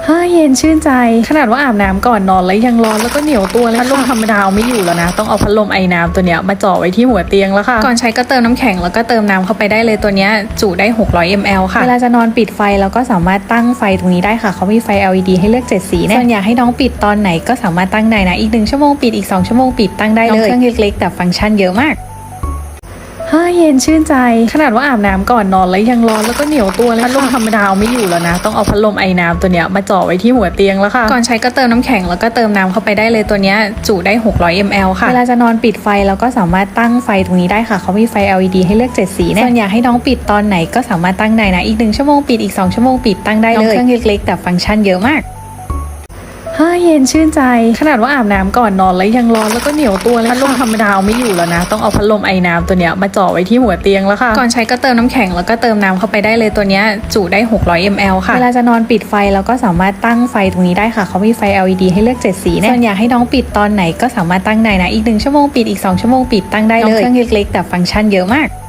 เย็นชื่นใจขนาดว่าอาบน้ำก่อนนอนแล้วยังร้อนแล้วก็เหนียวตัวเลยพัดลมธรรมดาเอาไม่อยู่แล้วนะต้องเอาพัดลมไอ้น้ำตัวเนี้ยมาจ่อไว้ที่หัวเตียงแล้วค่ะก่อนใช้ก็เติมน้ำแข็งแล้วก็เติมน้ำเข้าไปได้เลยตัวเนี้ยจุได้600 ml ค่ะเวลาจะนอนปิดไฟแล้วก็สามารถตั้งไฟตรงนี้ได้ค่ะเขามีไฟ LED ให้เลือก7สีส่วนอยากให้น้องปิดตอนไหนก็สามารถตั้งได้นะอีก1ชั่วโมงปิดอีก2ชั่วโมงปิดตั้งได้เลยเครื่องเล็กๆแต่ฟังก์ชันเยอะมากเย็นชื่นใจขนาดว่าอาบน้ำก่อนนอนแล้วยังร้อนแล้วก็เหนียวตัวเลยพัดลมธรรมดาเอาไม่อยู่แล้วนะต้องเอาพัดลมไอ้น้ำตัวเนี้ยมาจ่อไว้ที่หัวเตียงแล้วค่ะก่อนใช้ก็เติมน้ำแข็งแล้วก็เติมน้ำเข้าไปได้เลยตัวเนี้ยจุได้600 ml ค่ะเวลาจะนอนปิดไฟแล้วก็สามารถตั้งไฟตรงนี้ได้ค่ะเขามีไฟ LED ให้เลือก7สีส่วนอยากให้น้องปิดตอนไหนก็สามารถตั้งได้นะอีก1ชั่วโมงปิดอีก2ชั่วโมงปิดตั้งได้เลยเครื่องเล็กๆแต่ฟังก์ชันเยอะมากเย็นชื่นใจขนาดว่าอาบน้ำก่อนนอนแล้วยังร้อนแล้วก็เหนียวตัวเลยพัดลมธรรมดาเอาไม่อยู่แล้วนะต้องเอาพัดลมไอ้น้ำตัวเนี้ยมาจ่อไว้ที่หัวเตียงแล้วค่ะก่อนใช้ก็เติมน้ำแข็งแล้วก็เติมน้ำเข้าไปได้เลยตัวเนี้ยจุได้600 ml ค่ะเวลาจะนอนปิดไฟแล้วก็สามารถตั้งไฟตรงนี้ได้ค่ะเขามีไฟ LED ให้เลือก7สีส่วนอยากให้น้องปิดตอนไหนก็สามารถตั้งได้นะอีก1ชั่วโมงปิดอีก2ชั่วโมงปิดตั้งได้เลยเครื่องเล็กๆแต่ฟังก์ชันเยอะมาก